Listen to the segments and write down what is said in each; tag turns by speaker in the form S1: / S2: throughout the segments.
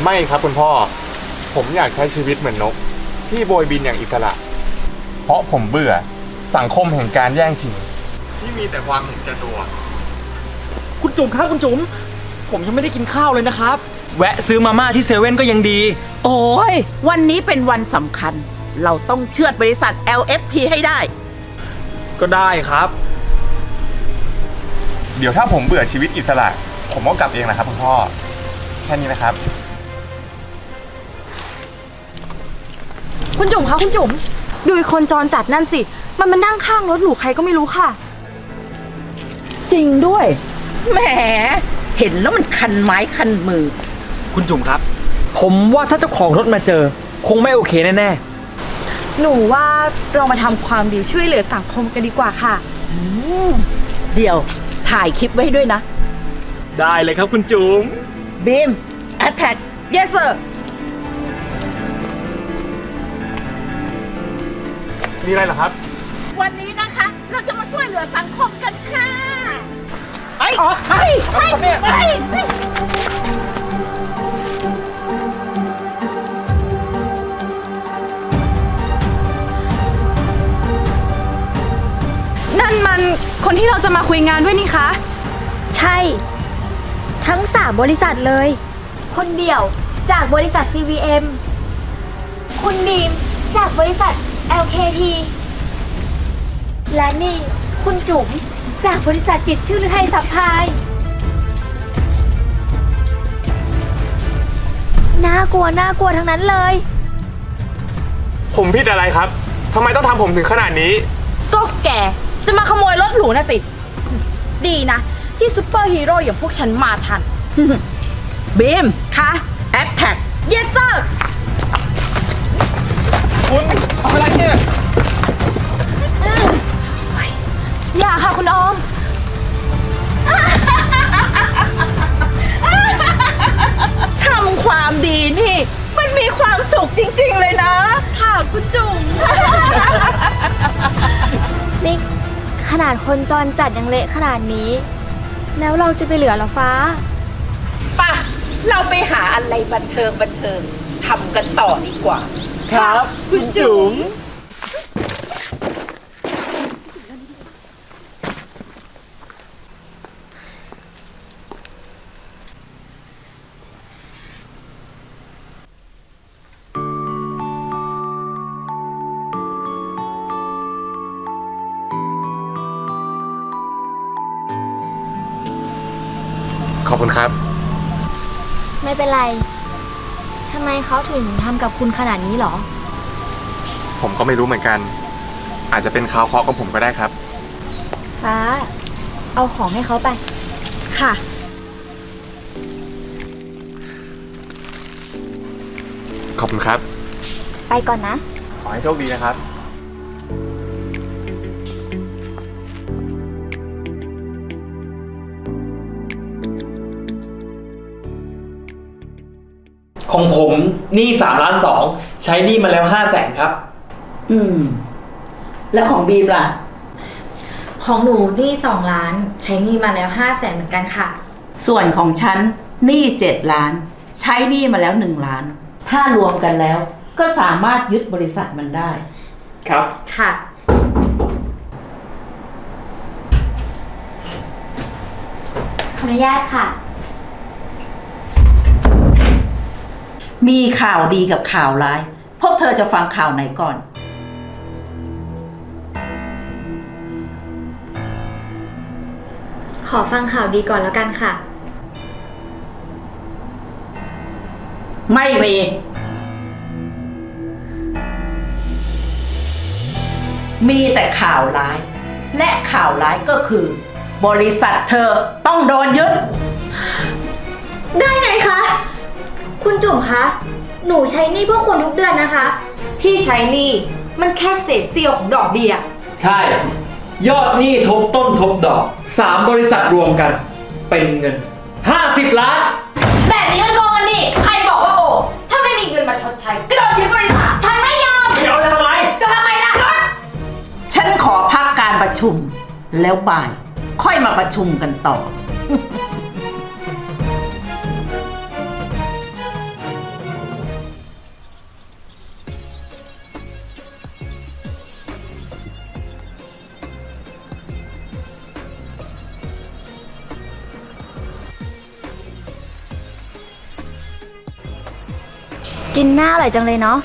S1: ไม่ครับคุณพ่อ ผมอยากใช้ชีวิตเหมือนนกที่โบยบินอย่างอิสระ เพราะผมเบื่อสังคมแห่งการแย่งชิงที่มีแต่ความเห็นแก่ตัว
S2: คุณจุ๋มครับคุณจุ๋มผมยังไม่ได้กินข้าวเลยนะครับ แวะซื้อมาม่าที่เซเว่นก็ยังดี
S3: โอ้ยวันนี้เป็นวันสำคัญ เราต้องเชือดบริษัท LFT ให้ได้
S2: ก็ได้ครับ
S1: เดี๋ยวถ้าผมเบื่อชีวิตอิสระ ผมก็กลับเองนะครับคุณพ่อ แค่นี้นะครับ
S4: คุณจุ๋มคะคุณจุ๋มดูอีกคนจรจัดนั่นสิ มันมานั่งข้างรถหรูใครก็ไม่รู้ค่ะ
S3: จริงด้วย แหม เห็นแล้วมันคันไม้คันมือ
S2: คุณจุ๋มครับ ผมว่าถ้าเจ้าของรถมาเจอ คงไม่โอเคแน่
S4: หนูว่าเรามาทำความดีช่วยเหลือสังคมกันดีกว่าค่ะ
S3: เดี๋ยวถ่ายคลิปไว้ด้วยนะ
S2: ๆได้เลยครับคุณจุ๋ม
S3: บีม Attack Yes sir
S1: มีอะไรเหรอครับ
S3: วันนี้นะคะ เราจะมาช่วยเหลือสังคมกันค่ะไปไป
S4: นั่นมันคนที่เราจะมาคุยงานด้วยนี่คะ
S5: ใช่ ทั้ง3บริษัทเลย คนเดี่ยวจากบริษัท CVM คุณบีมจากบริษัท LKT และนี่คุณจุ๋มจากบริษัทจิตรชื่อฤทัยซัพพลายน่ากลัวทั้งนั้นเลย
S1: ผมผิดอะไรครับทำไมต้องทำผมถึงขนาดนี้
S4: ก็แกจะมาขโมยรถหรูนะสิ ดีนะ ที่ซุปเปอร์ฮีโร่อย่างพวกฉันมาทัน
S3: บีม
S4: คะ
S3: Attack
S4: Yes sir
S1: คุณทำอะไรเนี่ย
S4: อย่าค่ะคุณออม
S3: ทำความดีนี่ มันมีความสุขจริงๆเลยนะ
S4: ค่ะคุณจุ๋ม
S5: นี่ขนาดคนจรจัดยังเละขนาดนี้ แล้วเราจะไปเหลือเหรอฟ้า
S3: ป่ะ เราไปหาอะไรบันเทิงทำกันต่อดีกว่า
S2: ครับ
S3: คุณจุ๋ม
S1: ขอบคุณครับ
S5: ไม่เป็นไร ทำไมเขาถึงทำกับคุณขนาดนี้หรอ
S1: ผมก็ไม่รู้เหมือนกัน อาจจะเป็นข่าวเคราะห์ของผมก็ได้ครับ
S5: ฟ้า เอาของให้เขาไป
S4: ค่ะ
S1: ขอบคุณครับ
S5: ไปก่อนนะ
S1: ขอให้โชคดีนะครับ
S2: ของผมหนี้3,200,000ใช้หนี้มาแล้ว500,000ครับ
S3: แล้วของบีมล่ะ
S4: ของหนูหนี้2 ล้าน ใช้หนี้มาแล้ว500,000เหมือนกันค่ะ
S3: ส่วนของฉันหนี้7 ล้าน ใช้หนี้มาแล้ว1 ล้าน ถ้ารวมกันแล้ว ก็สามารถยึดบริษัทมันได้
S2: ครับ
S4: ค่ะ
S5: ขออนุญาตค่ะ
S3: มีข่าวดีกับข่าวร้าย พวกเธอจะฟังข่าวไหนก่อน
S5: ขอฟังข่าวดีก่อนแล้วกันค่ะ
S3: ไม่มี มีแต่ข่าวร้าย และข่าวร้ายก็คือ บริษัทเธอต้องโดนยึด
S5: ได้ไงคะ คุณจุ๋มคะ หนูใช้หนี้พวกคุณทุกเดือนนะคะ
S4: ที่ใช้หนี้มันแค่เศษเสี้ยวของดอกเบี้ย
S2: ใช่ ยอดหนี้ทบต้นทบดอก3บริษัทรวมกัน เป็นเงิน50 ล้าน
S4: แบบนี้มันโกงกันนี่ ใครบอกว่าโกงถ้าไม่มีเงินมาชดใช้ก็โดนยึดบริษัท ฉันไม่ยอม
S2: เดี๋ยวจะทำไม
S4: จะทำไมล่ะ
S3: ฉันขอพักการประชุม แล้วบ่าย ค่อยมาประชุมกันต่อ
S5: กินหน้าอร่อยจังเลยเนาะ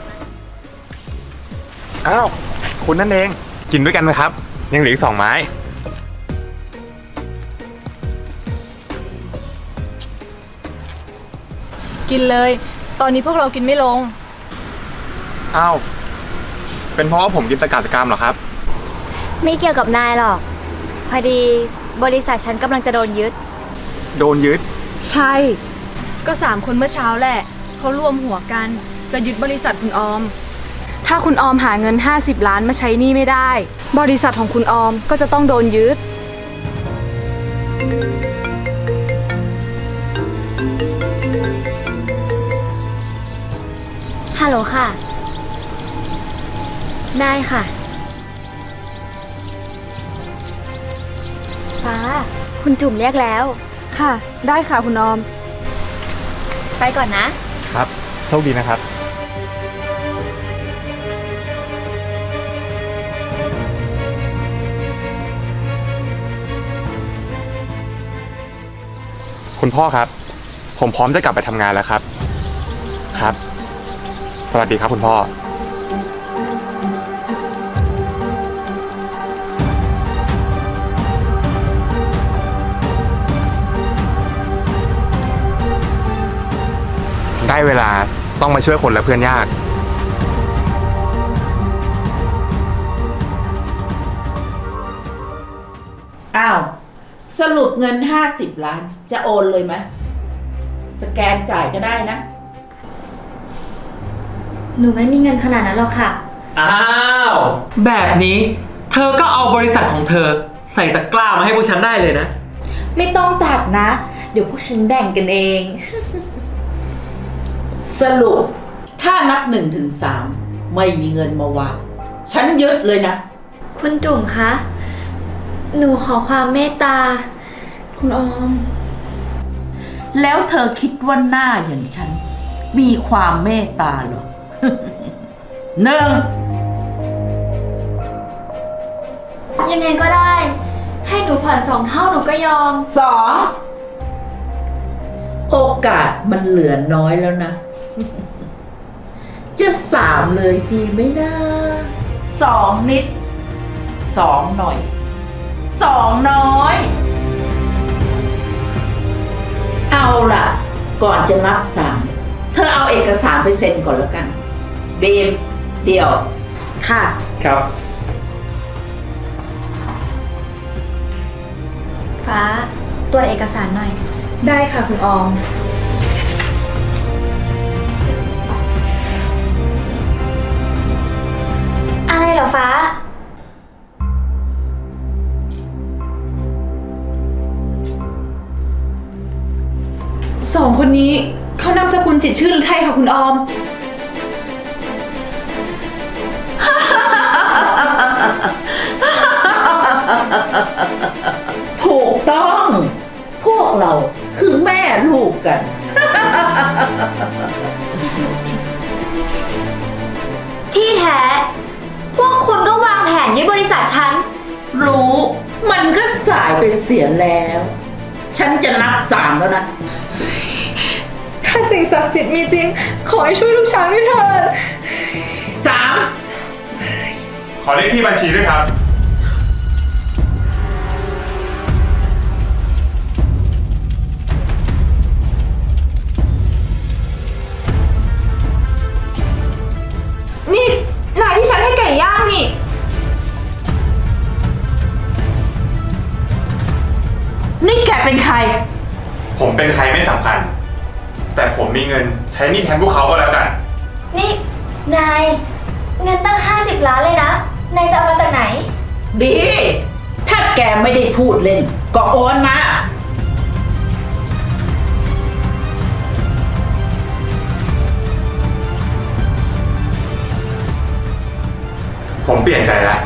S1: อ้าว คุณนั่นเอง กินด้วยกันไหมครับ ยังเหลืออีก2 ไม้
S6: กินเลย ตอนนี้พวกเรากินไม่ลง
S1: อ้าว เป็นเพราะว่าผมกินตะกาตะกามเหรอครับ
S5: ไม่เกี่ยวกับนายหรอก พอดีบริษัทฉันกำลังจะโดนยึด
S1: โดนยึด
S6: ใช่ ก็3 คนเมื่อเช้าแหละเขารวมหัวกันจะยึดบริษัทคุณออม ถ้าคุณออมหาเงิน50 ล้านมาใช้หนี้ไม่ได้ บริษัทของคุณออมก็จะต้องโดนยึด
S5: ฮัลโหลค่ะ ได้ค่ะ ฟ้า คุณจุ่มเรียกแล้ว
S6: ค่ะ ได้ค่ะคุณออม
S5: ไปก่อนนะ
S1: ครับ โชคดีนะครับ คุณพ่อครับ ผมพร้อมจะกลับไปทำงานแล้วครับ ครับ สวัสดีครับคุณพ่อ ได้เวลาต้องมาช่วยคนและเพื่อนยาก
S3: อ้าว สรุปเงิน50 ล้าน จะโอนเลยไหมสแกนจ่ายก็ได้นะ
S5: หนูไม่มีเงินขนาดนั้นหรอกค่ะ
S2: อ้าว แบบนี้เธอก็เอาบริษัทของเธอ ใส่ตะกร้ามาให้พวกฉันได้เลยนะ
S7: ไม่ต้องตัดนะ เดี๋ยวพวกฉันแบ่งกันเอง
S3: สรุปถ้านับ1 ถึง 3ไม่มีเงินมาวางฉันยึดเลยนะ
S5: คุณจุ่มคะ หนูขอความเมตตา
S6: คุณออม
S3: แล้วเธอคิดว่าหน้าอย่างฉัน มีความเมตตาเหรอ 1
S5: ยังไงก็ได้ ให้หนูผ่อน2 เท่าหนูก็ยอม
S3: 2 โอกาสมันเหลือน้อยแล้วนะ จะ3เลยดีไหมนะ2 นิด 2 หน่อย 2 น้อย เอาล่ะ ก่อนจะนับ3เธอเอาเอกสารไปเซ็นก่อนแล้วกันบีมเดี๋ยว
S7: ค่ะ
S2: ครับ
S5: ฟ้าตรวจเอกสารหน่อย
S6: ได้ค่ะคุณออม
S5: อะไรเหรอฟ้า
S6: 2 คนนี้เขานามสกุลจิตรชื่อหรือไทยค่ะคุณออม
S3: ถูกต้อง พวกเราคือแม่ลูกกัน
S5: ที่แท้ พวกคุณก็วางแผนยึดบริษัทฉัน
S3: รู้มันก็สายไปเสียแล้ว ฉันจะนับ3แล้วนะ
S6: ถ้าสิ่งศักดิ์สิทธิ์มีจริง ขอให้ช่วยลูกช้างด้วยเถิด
S3: 3
S1: ขอเลขที่บัญชีด้วยครับ
S6: นี่นายที่ฉันให้ไก่ย่างนี่
S3: นี่แกเป็นใคร
S1: ผมเป็นใครไม่สำคัญ แต่ผมมีเงินใช้หนี้แทนพวกเขาก็แล้วกัน
S5: นี่ นาย เงินตั้ง50 ล้านเลยนะ นายจะเอามาจากไหน
S3: ดี ถ้าแกไม่ได้พูดเล่น ก็โอนมา
S1: ผมเปลี่ยนใจแล้ว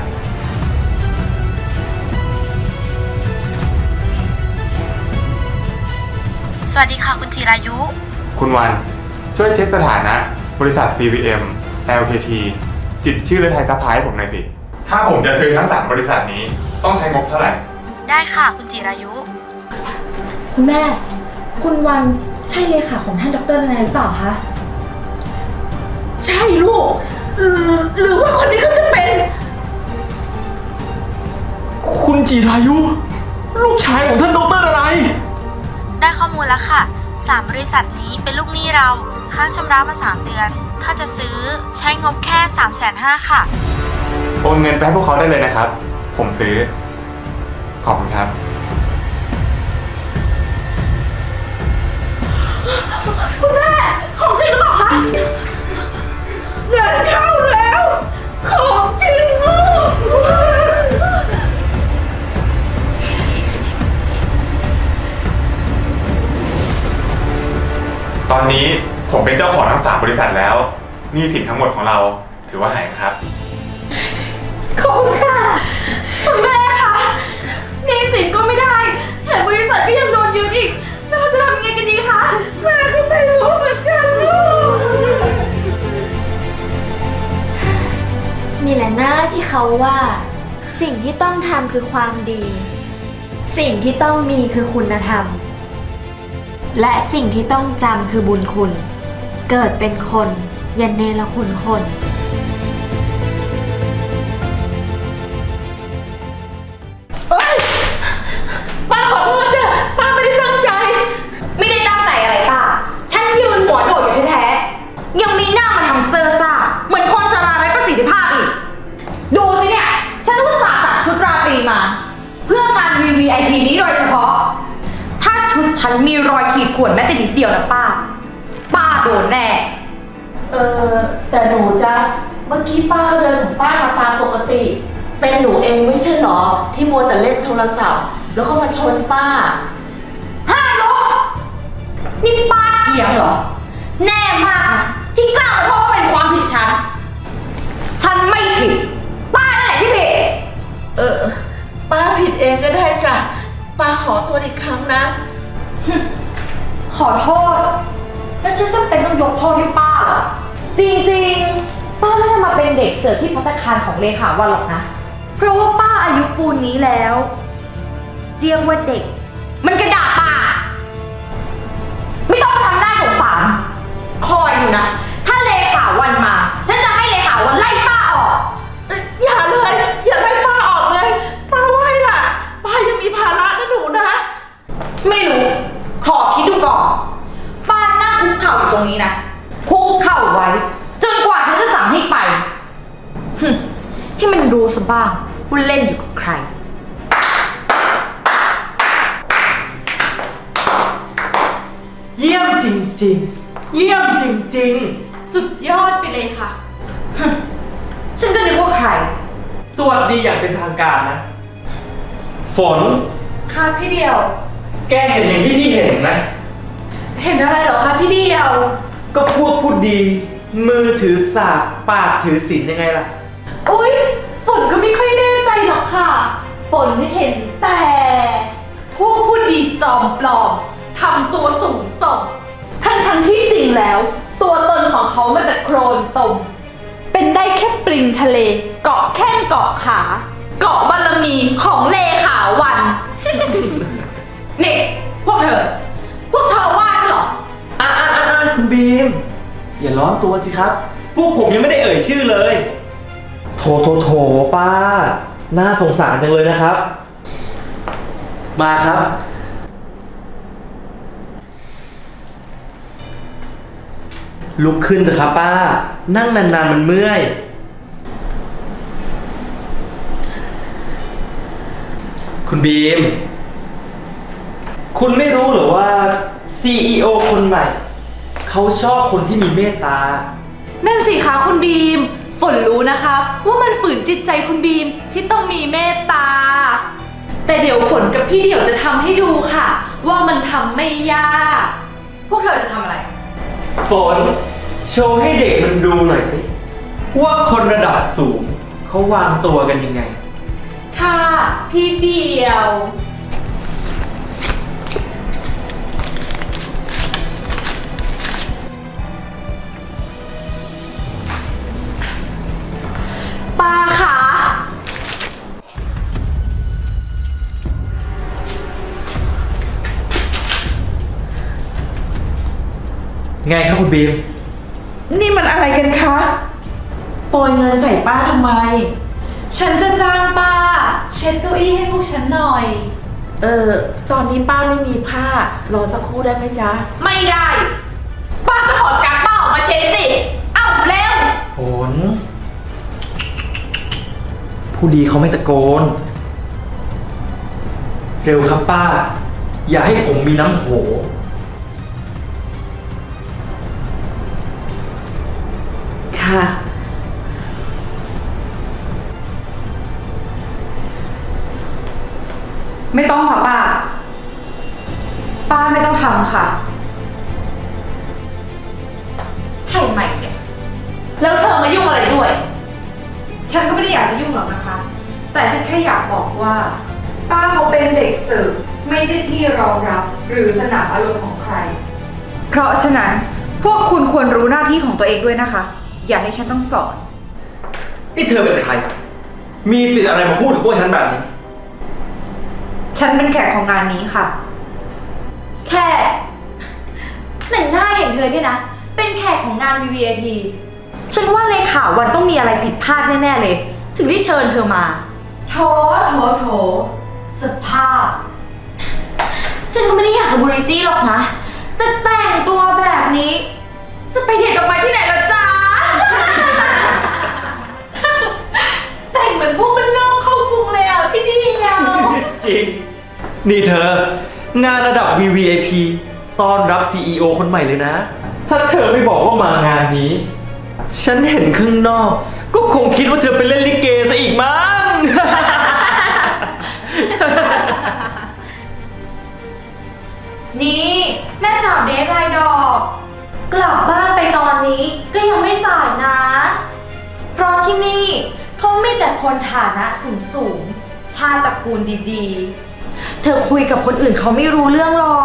S7: สวัสดีค่ะคุณจิรายุ
S1: คุณวันช่วยเช็คสถานะบริษัท CVM LKT จิตรชื่อและไทยซัพพลายให้ผมหน่อยสิ ถ้าผมจะซื้อทั้ง 3 บริษัทนี้ต้องใช้งบเท่าไหร่
S7: ได้ค่ะคุณจิรายุ
S6: คุณแม่ คุณวันใช่เลขาของท่านดรนายหรือเปล่าคะ
S3: ใช่ลูกหรือว่าคนนี้เขาจะเป็น
S2: คุณจีรายุ ลูกชายของท่านดรอะไร
S8: ได้ข้อมูลแล้วค่ะ 3 บริษัทนี้เป็นลูกหนี้เรา ค้างชำระมา 3 เดือน ถ้าจะซื้อใช้งบแค่ 350,000 ค่ะ
S1: โอนเงินไปให้พวกเขาได้เลยนะครับ ผมซื้อ ขอบคุณครับ
S3: คุณแม่ของจริงหรือเปล่าคะเงินเข้าแล้ว ของจริงลูก
S1: ตอนนี้ผมเป็นเจ้าของทั้ง 3 บริษัทแล้วหนี้สินทั้งหมดของเราถือว่าหายครับ
S3: ขอบคุณค่ะ
S6: คุณแม่คะหนี้สินก็ไม่ได้แถมบริษัทก็ยังโดนยึดอีก แล้วเราจะทำยังไงกันดีคะ
S3: แม่ก็ไม่รู้เหมือนกันลูก
S5: นี่แหละหน้าที่เขาว่า สิ่งที่ต้องทำคือความดี สิ่งที่ต้องมีคือคุณธรรม และสิ่งที่ต้องจำคือบุญคุณ เกิดเป็นคนอย่าเนรคุณคน
S3: ป้าขอโทษจ้ะป้าไม่ได้ตั้งใจ
S4: ไม่ได้ตั้งใจอะไรป้า ฉันยืนหัวโดดอยู่แท้ๆ ยังมีหน้ามาทำเซอร์ซ่าเหมือนคนชราไร้ประสิทธิภาพอีก ดูสิเนี่ย ฉันอุตส่าห์ตัดชุดราตรีมา เพื่องาน VVIP นี้โดยเฉพาะ ถ้าชุดฉันมีรอยขีดข่วนแม้แต่นิดเดียวนะป้า ป้าโดนแน่
S3: แต่หนูจ้ะเมื่อกี้ป้าก็เดินของป้ามาตามปกติ เป็นหนูเองไม่ใช่หรอ ที่มัวแต่เล่นโทรศัพท์ แล้วก็มาชนป้า
S4: ห้าโลนี่ป้าเถียงเหรอ แน่มากนะที่กล้ามาโทษว่าเป็นความผิดฉัน ฉันไม่ผิด ป้านั่นแหละที่ผิด
S3: ป้าผิดเองก็ได้จ้ะ ป้าขอโทษอีกครั้งนะ
S4: ขอโทษ แล้วฉันจำเป็นต้องยกโทษให้ป้าเหรอ จริงๆ ป้าไม่ได้มาเป็นเด็กเสิร์ฟที่ภัตตาคารของเลขาวันหรอกนะ เพราะว่าป้าอายุปูนนี้แล้ว เรียกว่าเด็ก มันกระดาษป้า ไม่ต้องมาทำหน้าสงสาร คอยอยู่นะ ถ้าเลขาวันมา ฉันจะให้เลขาวันไล่ป้าออก
S3: อย่าเลย อย่าไล่ป้าออกเลย ป้าไหวล่ะ ป้ายังมีภาระนะหนูนะ
S4: ไม่รู้ ขอคิดดูก่อน ป้านั่งคุกเข่าอยู่ตรงนี้นะ คุกเข่าไว้ จนกว่าฉันจะสั่งให้ไปที่มันรู้ซะบ้างว่าเล่นอยู่กับใคร
S2: เยี่ยมจริงๆ เยี่ยมจริง
S6: สุดยอดไปเลยค่ะ
S4: ฉันก็นึกว่าใคร
S2: ๆ สวัสดีอย่างเป็นทางการนะ ฝน
S6: ค่ะพี่เดียว
S2: แกเห็นอย่างที่พี่เห็นไหม
S6: เห็นอะไรเหรอคะพี่เดียว
S2: ก็พวกพูดดี มือถือสากปากถือศีลยังไงล่ะ
S6: อุ๊ย ฝนก็ไม่ค่อยแน่ใจหรอกค่ะ ฝนเห็นแต่พวกผู้ดีจอมปลอมทำตัวสูงส่งทั้งที่จริงแล้ว ตัวตนของเขามาจากโครนตม เป็นได้แค่ปลิงทะเล เกาะแข้งเกาะขา เกาะบารมีของเลขาวัน
S4: นี่ พวกเธอว่าฉันเหรอ
S2: คุณบีม อย่าร้อนตัวสิครับ พวกผมยังไม่ได้เอ่ยชื่อเลย โถป้า น่าสงสารจังเลยนะครับ มาครับ ลุกขึ้นเถอะครับป้า นั่งนานๆมันเมื่อย คุณบีม คุณไม่รู้เหรอว่า CEO คนใหม่ เขาชอบคนที่มีเมตตา
S6: นั่นสิคะคุณบีม ฝนรู้นะคะว่ามันฝืนจิตใจคุณบีมที่ต้องมีเมตตา แต่เดี๋ยวฝนกับพี่เดี่ยวจะทำให้ดูค่ะ ว่ามันทำไม่ยาก
S4: พวกเธอจะทำอะไร
S2: ฝน โชว์ให้เด็กมันดูหน่อยสิ ว่าคนระดับสูง เขาวางตัวกันยังไง
S6: ค่ะ พี่เดี่ยว ป้าคะ
S2: ไงครับคุณบีม
S3: นี่มันอะไรกันคะโปรยเงินใส่ป้าทำไม
S7: ฉันจะจ้างป้า เช็ดเก้าอี้ให้พวกฉันหน่อย
S3: ตอนนี้ป้าไม่มีผ้า รอสักครู่ได้ไหมจ๊ะ
S7: ไม่ได้ ป้าก็ถอดกางป้าออกมาเช็ดสิ เอ้าเร็ว
S2: ฝนผู้ดีเขาไม่ตะโกน เร็วครับป้า อย่าให้ผมมีน้ำโห
S3: ค่ะ
S6: ไม่ต้องค่ะป้า ป้าไม่ต้องทำค่ะ
S7: ไถ่ใหม่เนี่ย แล้วเธอมายุ่งอะไรด้วย
S6: ฉันก็ไม่ได้อยากจะยุ่งหรอกนะคะ แต่ฉันแค่อยากบอกว่า ป้าเขาเป็นเด็กเสิร์ฟไม่ใช่ที่รองรับหรือสนามอารมณ์ของใคร เพราะฉะนั้นพวกคุณควรรู้หน้าที่ของตัวเองด้วยนะคะ อย่าให้ฉันต้องสอน
S2: นี่เธอเป็นใคร มีสิทธิ์อะไรมาพูดกับพวกฉันแบบนี้
S6: ฉันเป็นแขกของงานนี้ค่ะ
S4: แค่หนึ่งหน้าอย่างเธอเนี่ยนะ เป็นแขกของงาน VVIP ฉันว่าเลขาวันต้องมีอะไรผิดพลาดแน่ๆเลย ถึงได้เชิญเธอมา โถสภาพ ฉันก็ไม่ได้อยากทำบริจี้หรอกนะ แต่แต่งตัวแบบนี้ จะไปเด็ดดอกไม้ที่ไหนล่ะจ๊ะ แต่งเหมือนพวกบ้านนอกเข้ากรุงเลยอ่ะพี่เดียว
S2: จริง นี่เธอ งานระดับ VVIP ต้อนรับ CEO คนใหม่เลยนะ ถ้าเธอไม่บอกว่ามางานนี้ ฉันเห็นข้างนอก ก็คงคิดว่าเธอเป็นเล่นลิเกซะอีกมั้ง
S4: นี่แม่สาวเดทไลน์ดอก กลับบ้านไปตอนนี้ก็ยังไม่สายนะ เพราะที่นี่เขามีแต่คนฐานะสูงๆชาติตระกูลดีๆ เธอคุยกับคนอื่นเขาไม่รู้เรื่องหรอก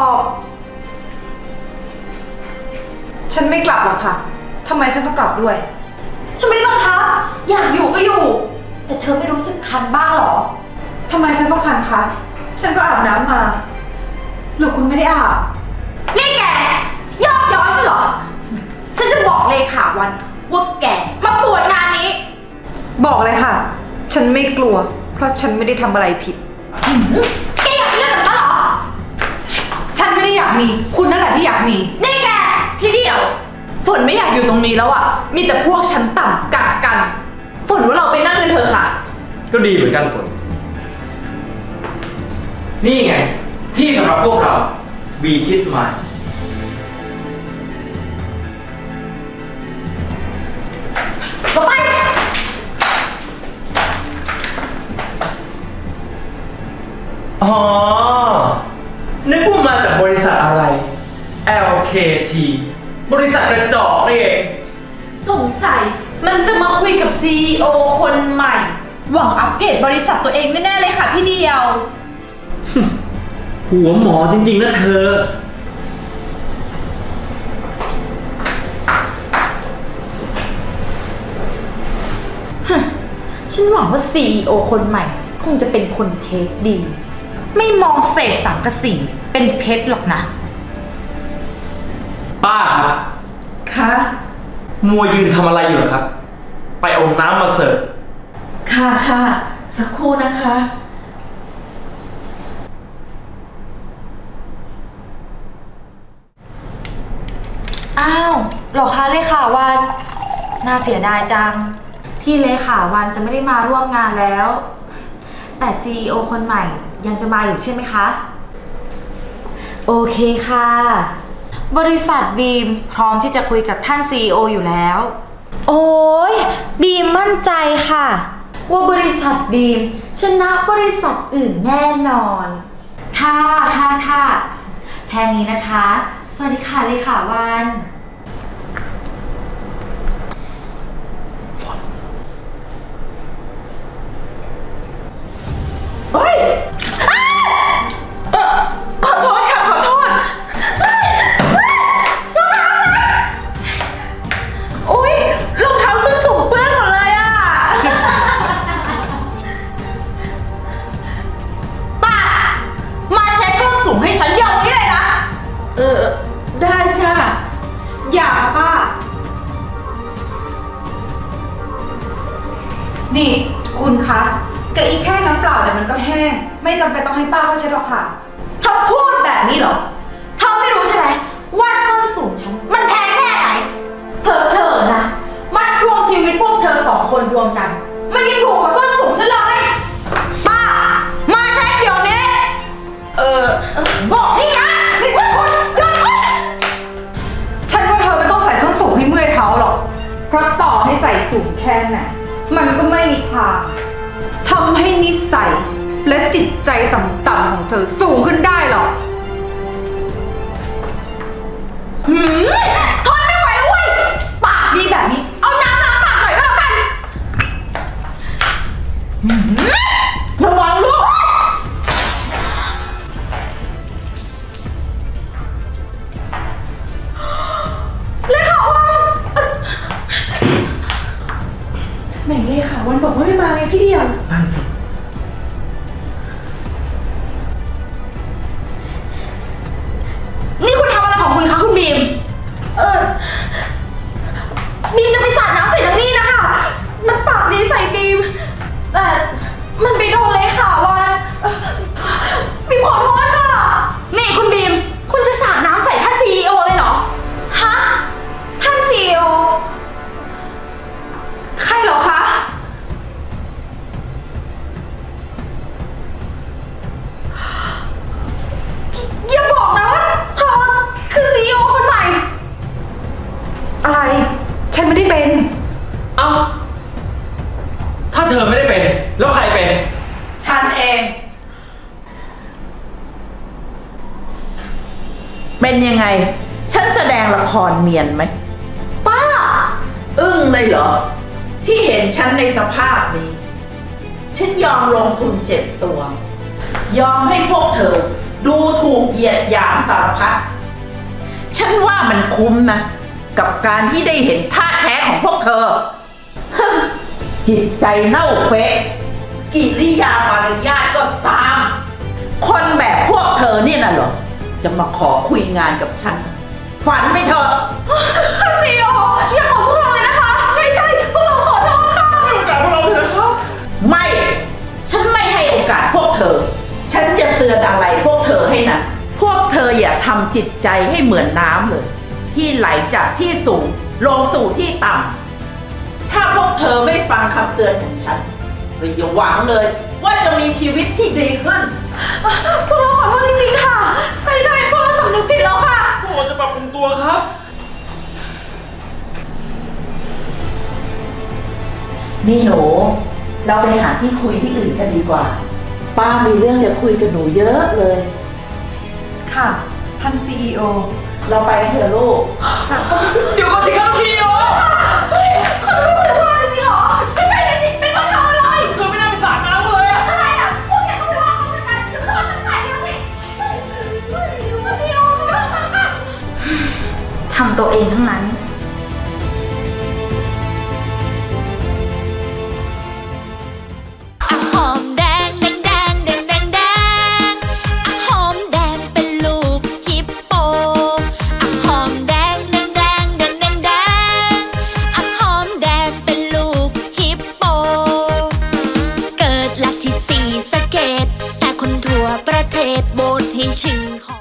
S6: ฉันไม่กลับหรอกค่ะทำไมฉันต้องกลับด้วย
S4: ฉันไม่ได้บังคับอยากอยู่ก็อยู่ แต่เธอไม่รู้สึกคันบ้างหรอ
S6: ทำไมฉันต้องคันคะ ฉันก็อาบน้ำมา หรือคุณไม่ได้อาบ
S4: นี่แกยอกย้อนใช่เหรอ ฉันจะบอกเลขาวันว่าแกมาปวดงานนี้
S6: บอกเลยค่ะ ฉันไม่กลัว เพราะฉันไม่ได้ทำอะไรผิด
S4: แกอยากมีเรื่องกับฉันเหรอ
S6: ฉันไม่ได้อยากมี คุณนั่นแหละที่อยากมี
S4: นี่แกที่เดียวฝนไม่อยากอยู่ตรงนี้แล้วอ่ะ มีแต่พวกชั้นต่ำกัดกัน ฝนว่าเราไปนั่งกันเถอะค่ะ
S2: ก็ดีเหมือนกันฝน นี่ไง ที่สำหรับพวกเรา We Kiss Smile
S4: ไป
S2: อ๋อ นึกว่ามาจากบริษัทอะไร LKT บริษัทกระจอกนี่เอง
S7: สงสัยมันจะมาคุยกับ CEO คนใหม่ หวังอัปเกรดบริษัทตัวเองแน่ๆเลยค่ะพี่เดียว
S2: หัวหมอจริงๆนะเธอ
S4: ฉันหวังว่า CEO คนใหม่ คงจะเป็นคนเทคดี ไม่มองเศษสังกะสีเป็นเพชรหรอกนะ
S2: ป้าครับ
S3: ค่ะ
S2: มัวยืนทำอะไรอยู่เหรอครับ ไปเอาน้ำมาเสิร์ฟ
S3: ค่ะ สักครู่นะคะ
S4: อ้าวเหรอคะเลขาวันน่าเสียดายจัง ที่เลขาวันจะไม่ได้มาร่วมงานแล้ว แต่ CEO คนใหม่ยังจะมาอยู่ใช่ไหมคะ โอเคค่ะ บริษัทบีมพร้อมที่จะคุยกับท่าน CEO อยู่แล้ว โอ้ยบีมมั่นใจค่ะ ว่าบริษัทบีมชนะบริษัทอื่นแน่นอน ค่ะแค่นี้นะคะ สวัสดีค่ะเลขาวัน
S3: เฮ้ยขอโทษค่ะ ขอโทษอุ๊ยรองเท้าส้นสูงเปื้อนหมดเลยอ่ะ
S4: ป้า มาเช็คเครื่องสูงให้ฉันเดี๋ยวนี้เลยนะ
S3: ได้จ้า
S4: นี่คุณคะกะอีแค่น้ำเปล่าเนี่ยมันก็แห้ง ไม่จำเป็นต้องให้ป้าเขาเช็ดหรอกค่ะ
S3: เธอพูดแบบนี้เหรอ เธอไม่รู้ใช่ไหมว่าส้นสูงฉันมันแพงแค่ไหนเธอนะ มัดรวมชีวิตพวกเธอสองคนรวมกัน มันยังถูกกว่าส้นสูงฉันเลย ป้า มาเช็คเดี๋ยวนี้ บอกนี่นะนี่ว่าคนหยุดไว้
S4: ฉันว่าเธอไม่ต้องใส่ส้นสูงให้เมื่อยเท้าหรอก เพราะต่อให้ใส่สูงแค่ไหนมันก็ไม่มีทางทำให้นิสัยและจิตใจต่ำๆของเธอสูงขึ้นได้หรอก
S3: ทนไม่ไหวแล้วเว้ย ปากดีแบบนี้ เอาน้ำล้างปากหน่อยก็แล้วกันระวังลูก เลขาวันไหนเลขาวันบอกว่าไม่มาไงพี่เดียว
S2: นั่นสิ
S3: นี่คุณทำอะไรของคุณคะคุณบีม บีมจะไปสาดน้ำใส่ทางนี้นะคะ มันปากดีใส่บีม แต่มันไปโดนเลยค่ะวันบีมขอโทษค่ะ นี่คุณบีม คุณจะสาดน้ำใส่ท่าน CEO เลยเหรอ ฮะ ท่าน CEO ใครเหรอคะ อย่าบอกนะว่าเธอคือ CEO คนใหม่
S4: อะไร ฉันไม่ได้เป็น
S2: เอ้า ถ้าเธอไม่ได้เป็น แล้วใครเป็น
S3: ฉันเอง เป็นยังไง ฉันแสดงละครเนียนไหม ป้า อึ้งเลยเหรอ ที่เห็นฉันในสภาพนี้ ฉันยอมลงทุนเจ็บตัว ยอมให้พวกเธอ ดูถูกเหยียดหยามสารพัด ฉันว่ามันคุ้มนะ กับการที่ได้เห็นท่าแท้ของพวกเธอ จิตใจเน่าเฟะกิริยามารยาทก็ซาม คนแบบพวกเธอเนี่ยน่ะเหรอ จะมาขอคุยงานกับฉัน ฝันไปเถอะค่ะซีโออย่าขอพวกเราเลยนะคะ ใช่พวกเราขอโทษค่ะให้โอกาสพวกเราเถอะนะครับ ไม่ ฉันไม่ให้โอกาสพวกเธอ ฉันจะเตือนอะไรพวกเธอให้นะพวกเธออย่าทำจิตใจให้เหมือนน้ำเลย ที่ไหลจากที่สูงลงสู่ที่ต่ำถ้าพวกเธอไม่ฟังคำเตือนของฉันก็อย่าหวังเลย ว่าจะมีชีวิตที่ดีขึ้น พวกเราขอโทษจริงๆค่ะ ใช่พวกเราสำนึกผิดแล้วค่ะ
S2: พวกเราจะปรับปรุงตัวครับ
S3: นี่หนู เราไปหาที่คุยที่อื่นกันดีกว่า ป้ามีเรื่องจะคุยกับหนูเยอะเลย
S4: ค่ะ ท่าน CEO
S3: เราไปกันเถอะลูก
S2: เดี๋ยวก่อนสิครับทีโอ
S3: จริงเหรอ ไม่ใช่เลยสิ เป็นคนทำอะไร
S2: เธอไม่ได้ไปสาดน้ำเลยอะ
S3: อะไรอ่ะ พวกแกก็ไม่ว่าเขาเหมือนกันจะไม่ว่าฉันใส่แล้วสิมาที่โอค่ะ
S5: ทำตัวเองทั้งนั้น
S8: หอมแดงแดงแดงแดงแดงแดงหอมแดงเป็นลูกฮิปโปหอมแดงแดงแดงแดงแดงแดงหอมแดงเป็นลูกฮิปโปเกิดหลักที่สีสะเกตแต่คนทั่วประเทศโบสให้ชื่อ